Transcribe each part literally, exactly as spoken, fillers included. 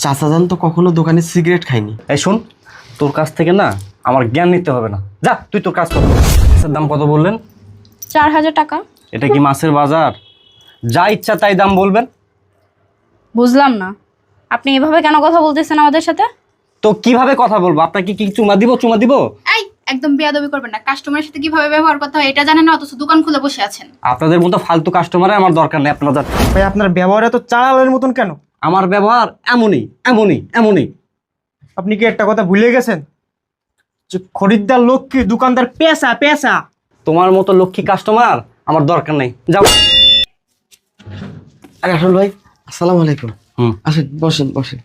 চাচা যান তো কখনো দোকানে সিগারেট খায়নি। এই শোন, তোর কাছ থেকে না আমার জ্ঞান নিতে হবে না, যা তুই তোর কাজ কর। মাছের দাম কত বললেন? চার হাজার টাকা। এটা কি মাছের বাজার? যা ইচ্ছা তাই দাম বলবেন। বুঝলাম না, আপনি এভাবে কেন কথা বলতেছেন আমাদের সাথে? তো কিভাবে কথা বলবো? আপনাকে কি চুমা দিব? চুমা দিব? এই একদম বেয়াদবি করবেন না। কাস্টমারের সাথে কিভাবে ব্যবহার করতে হয় এটা জানেন না, অথচ দোকান খুলে বসে আছেন। আপনাদের মতো ফালতু কাস্টমারে আমার দরকার নেই। আপনারা যান। ভাই আপনার ব্যবহার এত চালালের মতন কেন? আমার ব্যবহার এমনই এমনই এমনই। আপনি কি একটা কথা ভুলে গেছেন যে খরিদ্দার লক্ষ্মী, দোকানদার পেশা পেশা। তোমার মতো লক্ষ্মী কাস্টমার আমার দরকার নেই, যাও। আরে আসল ভাই, আসসালামু আলাইকুম। হুম, আসেন, বসেন বসেন।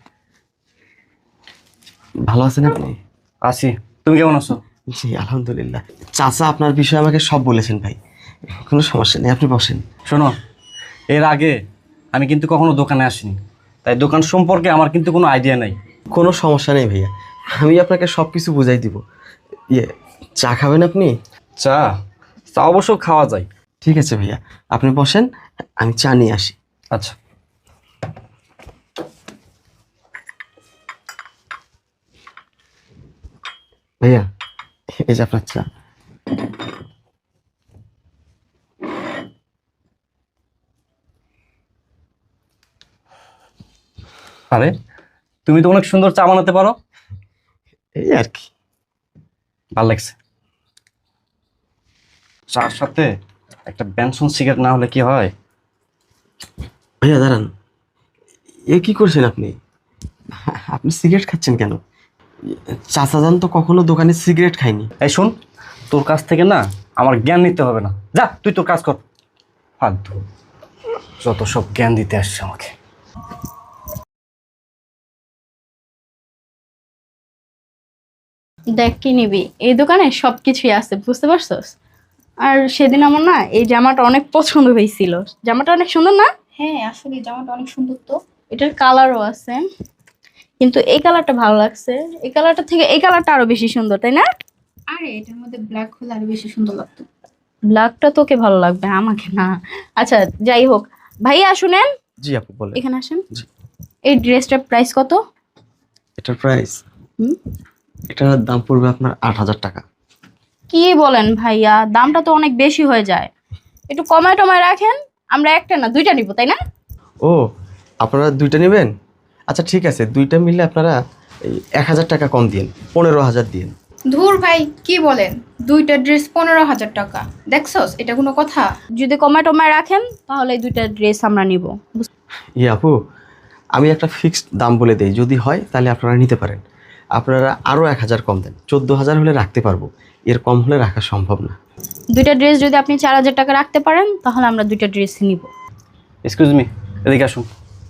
ভালো আছেন আপনি? আসি। তুমি কেমন আছো? জি আলহামদুলিল্লাহ। চাচা আপনার বিষয়ে আমাকে সব বলেছেন ভাই, কোনো সমস্যা নেই, আপনি বসেন। শোনো, এর আগে আমি কিন্তু কখনো দোকানে আসিনি, তাই দোকান সম্পর্কে আমার কিন্তু কোনো আইডিয়া নাই। কোনো সমস্যা নেই ভাইয়া, আমি আপনাকে সব কিছু বুঝাই দিব। ইয়ে, চা খাবেন আপনি? চা? চা অবশ্য খাওয়া যায়। ঠিক আছে ভাইয়া, আপনি বসেন, আমি চা নিয়ে আসি। আচ্ছা। ভাইয়া, এই যে আপনার চা। আরে তুমি তো অনেক সুন্দর চা বানাতে পারো। এই আর কি। ভালো লাগছে। চার সাথে একটা বেনসন সিগারেট না হলে কি হয়? ভাইয়া দাঁড়ান, এ কি করছেন আপনি? আপনি সিগারেট খাচ্ছেন কেন? চাচা যান তো কখনো দোকানে সিগারেট খায়নি। এই শোন, তোর কাছ থেকে না আমার জ্ঞান নিতে হবে না, যা তুই তোর কাজ কর। ফালতু যত সব জ্ঞান দিতে আসছে আমাকে। দেখ কি নিবি, এই দোকানে সব কিছুই আছে, বুঝতে পারছস? আর সেদিন আমার না এই জামাটা অনেক পছন্দ হয়েছিল। জামাটা অনেক সুন্দর না? হ্যাঁ আসলে জামাটা অনেক সুন্দর তো। এটার কালারও আছে, কিন্তু এই কালারটা ভালো লাগছে। এই কালারটা থেকে এই কালারটা আরো বেশি সুন্দর, তাই না? আরে এটার মধ্যে ব্ল্যাক হলে আরো বেশি সুন্দর লাগতো। ব্ল্যাকটা তোকে ভালো লাগবে, আমাকে না। আচ্ছা যাই হোক, ভাইয়া শুনেন, জি আপু বলেন। এখানে আসেন। জি। এই ড্রেসটার প্রাইস কত? এটার প্রাইস, হুম, এটার দাম পড়বে আপনার আট হাজার টাকা। কি বলেন ভাইয়া, দামটা তো অনেক বেশি হয়ে যায়, একটু কমায় টমায় রাখেন। আমরা একটা না দুইটা নিব, তাই না? ও, আপনারা দুইটা নেবেন? আচ্ছা ঠিক আছে, দুইটা মিলে আপনারা এই এক হাজার টাকা কম দিন, পনেরো হাজার দিন। ধুর ভাই কি বলেন, দুইটা ড্রেস পনেরো হাজার টাকা, দেখছস এটা কোনো কথা? যদি কমায় টমায় রাখেন তাহলে এই দুইটা ড্রেস আমরা নিব। ই আপু, আমি একটা ফিক্সড দাম বলে দেই, যদি হয় তাহলে আপনারা নিতে পারেন। আপনারা আরও এক হাজার কম দেন, চোদ্দো হাজার হলে রাখতে পারবো, এর কম হলে রাখা সম্ভব না। দুইটা ড্রেস যদি আপনি চার হাজার টাকা রাখতে পারেন তাহলে আমরা দুইটা ড্রেস নিব। এক্সকিউজ মি, এদিকে আসুন।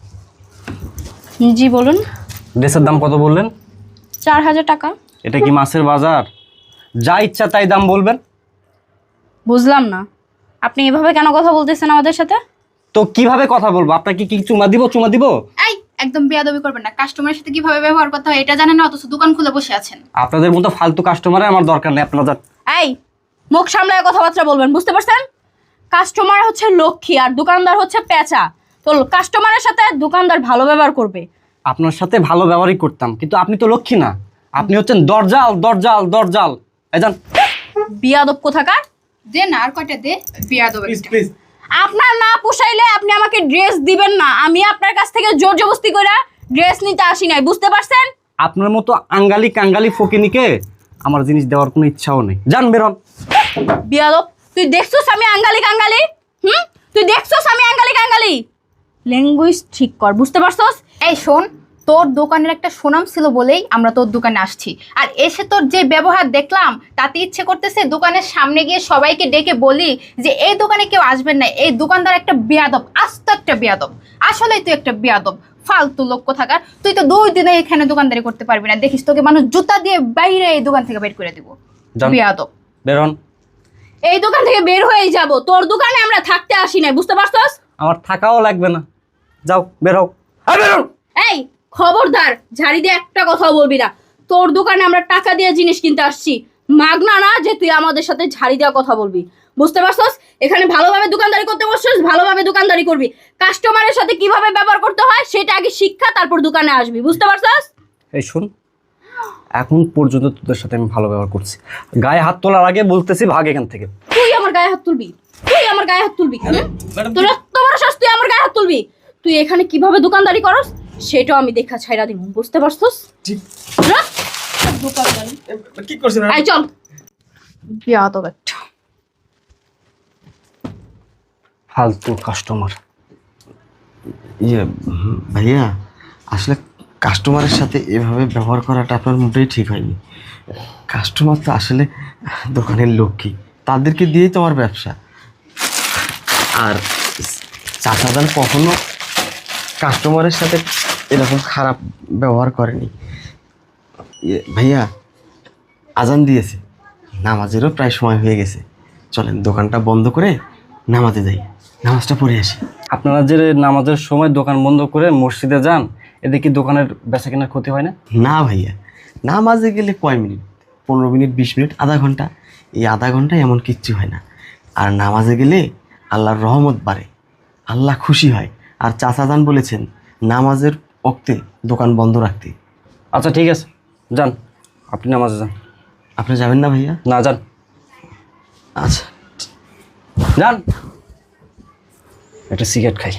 জি বলুন। ড্রেসের দাম কত বললেন? চার হাজার টাকা। এটা কি মাছের বাজার? যা ইচ্ছা তাই দাম বলবেন। বুঝলাম না, আপনি এভাবে কেন কথা বলতেছেন আমাদের সাথে? তো কিভাবে কথা বলবো? আপনাকে কি চুমা দিব? চুমা দিব? এই একদম বেয়াদবি করবেন না। কাস্টমারের সাথে কিভাবে ব্যবহার করতে হয় এটা জানেন না, অথচ দোকান খুলে বসে আছেন। আপনাদের মতো ফালতু কাস্টমারে আমার দরকার নেই, আপনারা যান। এই মুখ সামলায় কথাবার্তা বলবেন, বুঝতে পারছেন? কাস্টমার হচ্ছে লক্ষ্মী আর দোকানদার হচ্ছে পেঁচা। তো কাস্টমারের সাথে দোকানদার ভালো ব্যবহার করবে। আপনার সাথে ভালো ব্যবহারই করতাম, কিন্তু আপনি তো লক্ষ্মী না, আপনি হচ্ছেন দরজাল দরজাল দরজাল। এই যান। বিয়াদব কোথাকার। দে না আর কয়টা দে, বেয়াদব একটা। প্লিজ। আপনার না পোষাইলে আপনি আমাকে ড্রেস দিবেন না। আমি আপনার কাছ থেকে জোর জবরদস্তি করে ড্রেস নিতে আসি নাই, বুঝতে পারছেন? আপনার মতো আঙ্গালি কাঙ্গালি ফকিনিকে আমার জিনিস দেওয়ার কোনো ইচ্ছাও নেই, যান বেরোন। বিয়াদব, তুই দেখছস আমি আঙ্গালি কাঙ্গালি? হুম, তুই দেখছস আমি আঙ্গালি কাঙ্গালি? ল্যাঙ্গুয়েজ ঠিক কর, বুঝতে পারছস? এই শোন, তোর দোকানের একটা সুনাম ছিল বলেই আমরা তোর দোকানে আসছি, আর এসে তোর যে ব্যবহার দেখলাম তাতে ইচ্ছে করতেছে দোকানের সামনে গিয়ে সবাইকে ডেকে বলি যে এই দোকানে কেউ আসবেন না, এই দোকানদার একটা বেয়াদব, আস্ত একটা বেয়াদব। আসলেই তুই একটা বেয়াদব, ফালতু লোক কোথাকার। তুই তো দুই দিনে এখানে দোকানদারি করতে পারবি না, দেখিস তোকে মানুষ জুতা দিয়ে বাইরে এই দোকান থেকে বের করে দিব। যান। বেয়াদব। বেরোন। এই দোকান থেকে বের হয়েই যাব, তোর দোকানে আমরা থাকতে আসি নাই, বুঝতে পারছস? আমার থাকাও লাগবে না, যাও বেরো। হ্যাঁ বেরোন। এই খবরদার, ঝাড়ি দিয়ে একটা কথাও বলবি না। তোর দোকানে আমরা টাকা দিয়ে জিনিস কিনতে আসছি, মাগনা না যে তুই আমাদের সাথে ঝাড়ি দেওয়া কথা বলবি। বুঝতে পারছস? এখানে ভালোভাবে দোকানদারি করতে বসছস, ভালোভাবে দোকানদারি করবি। কাস্টমারের সাথে কিভাবে ব্যবহার করতে হয় সেটা আগে শিক্ষা, তারপর দোকানে আসবি। বুঝতে পারছস? এই শোন, এখন পর্যন্ত তোদের সাথে আমি ভালো ব্যবহার করছি, গায়ে হাত তোলার আগে বলতেছি ভাগ এখান থেকে। তুই আমার গায়ে হাত তুলবি? তুই আমার গায়ে হাত তুলবি? হুম? তোর এত বড় সাহস, তুই আমার গায়ে হাত তুলবি? তুই এখানে কিভাবে দোকানদারি করস সেটাও আমি দেখা ছাইরা দিব। বুঝতে পারছস? যা, দোকানদারি। কি করছেন আয় চল। বিয়া তো একটা। ফালতু কাস্টমার। ইয়ে হুম, ভাইয়া আসলে কাস্টমারের সাথে এভাবে ব্যবহার করাটা আপনার মোটেই ঠিক হয়নি। কাস্টমার তো আসলে দোকানের লক্ষ্মী, তাদেরকে দিয়েই তো আমার ব্যবসা। আর চাচাদান কখনো কাস্টমারের সাথে এরকম খারাপ ব্যবহার করেনি। ইয়ে, ভাইয়া আজান দিয়েছে, নামাজেরও প্রায় সময় হয়ে গেছে, চলেন দোকানটা বন্ধ করে নামাজে যাই, নামাজটা পড়ে আসি। আপনারা যে নামাজের সময় দোকান বন্ধ করে মসজিদে যান, এতে কি দোকানের বেচা কেনার ক্ষতি হয় না? না ভাইয়া, নামাজে গেলে কয় মিনিট, পনেরো মিনিট, বিশ মিনিট, আধা ঘন্টা, এই আধা ঘন্টায় এমন কিচ্ছু হয় না। আর নামাজে গেলে আল্লাহর রহমত বাড়ে, আল্লাহ খুশি হয়। আর চাচাজান বলেছেন নামাজের ওক্তে দোকান বন্ধ রাখতে। আচ্ছা ঠিক আছে, যান, আপনি নামাজে যান। আপনি যাবেন না ভাইয়া? না, যান আচ্ছা যান, একটা সিগারেট খাই।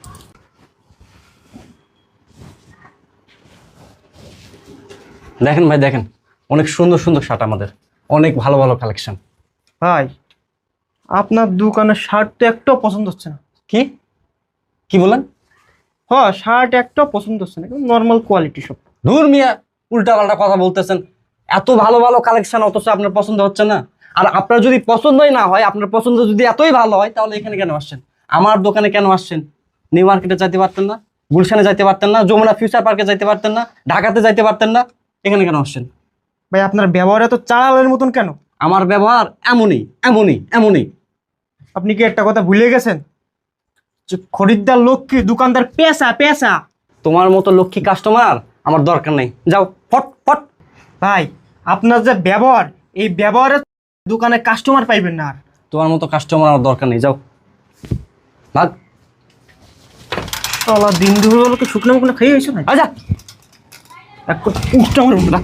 দেখেন ভাই, দেখেন অনেক সুন্দর সুন্দর শার্ট, আমাদের অনেক ভালো ভালো কালেকশন। ভাই, আপনার দোকানের শার্ট তো একটাও পছন্দ হচ্ছে না। কি কি বলেন? হ্যাঁ, শার্ট একটাও পছন্দ হচ্ছে না, নর্মাল কোয়ালিটি সব। দূর মিয়া, উল্টা পাল্টা কথা বলতেছেন। এত ভালো ভালো কালেকশন অথচ আপনার পছন্দ হচ্ছে না। আর আপনার যদি পছন্দই না হয়, আপনার পছন্দ যদি এতই ভালো হয়, তাহলে এখানে কেন আসছেন? আমার দোকানে কেন আসছেন? নিউ মার্কেটে যাইতে পারতেন না? গুলশানে যাইতে পারতেন না? যমুনা ফিউচার পার্কে যাইতে পারতেন না? ঢাকাতে যাইতে পারতেন না? এখানে কেন আসছেন? ভাই, আপনার ব্যবহার এত চালালের মতন কেন? আমার ব্যবহার এমনই এমনই এমনই। আপনি কি একটা কথা ভুলে গেছেন যে খরিদ্দার লক্ষ্মী, দোকানদার পেশা পেশা। তোমার মতো লক্ষ্মী কাস্টমার আমার দরকার নেই, যাও ফট ফট। ভাই, আপনার যে ব্যবহার, এই ব্যবহারে দোকানে কাস্টমার পাইবেন না আর। তোমার মতো কাস্টমার আমার দরকার নেই, যাও ভাগ। আল্লাহ, দিন দুপুরগুলোকে শুকনো মুখনো খেয়ে হয়েছে ভাই। আচ্ছা, এক করে উঠটা আমার উঠলা।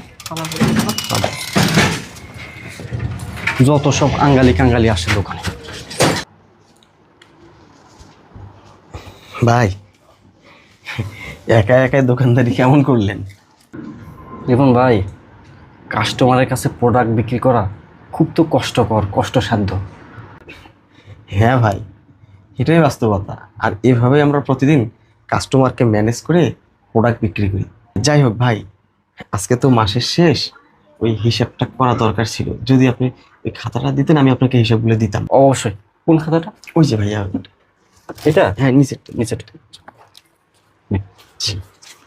যত সব আঙ্গালি কাঙ্গালি আসে দোকানে। ভাই, একা একাই দোকানদারি কেমন করলেন? দেখুন ভাই, কাস্টমারের কাছে প্রোডাক্ট বিক্রি করা খুব তো কষ্টকর, কষ্টসাধ্য। হ্যাঁ ভাই, এটাই বাস্তবতা। আর এভাবে আমরা প্রতিদিন কাস্টমারকে ম্যানেজ করে প্রোডাক্ট বিক্রি করি। যাই হোক ভাই, আজকে তো মাসের শেষ, ওই হিসাবটা করা দরকার ছিল। যদি আপনি ওই খাতাটা দিতেন, আমি আপনাকে হিসাবগুলো দিতাম। অবশ্যই। কোন খাতাটা? ওই যে ভাইয়া, এটা? হ্যাঁ নিচেরটা। নিচেটা। জি।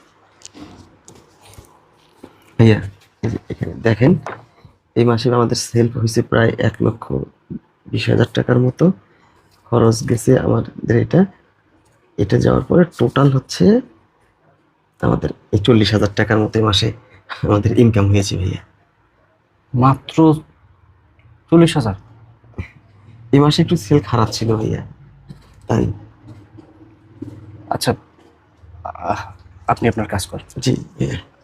ভাইয়া, এই যে এখানে দেখেন, এই মাসে আমাদের সেল হয়েছে প্রায় এক লক্ষ বিশ হাজার টাকার মতো। খরচ গেছে আমাদের এটা এটা যাওয়ার পরে টোটাল হচ্ছে আমাদের এই চল্লিশ হাজার টাকার মতো এই মাসে আমাদের ইনকাম হয়েছে ভাইয়া। মাত্র চল্লিশ হাজার? এই মাসে একটু সেল খারাপ ছিল ভাইয়া, তাই। আচ্ছা, আহ, আপনি আপনার কাজ করেন। জি ভাইয়া।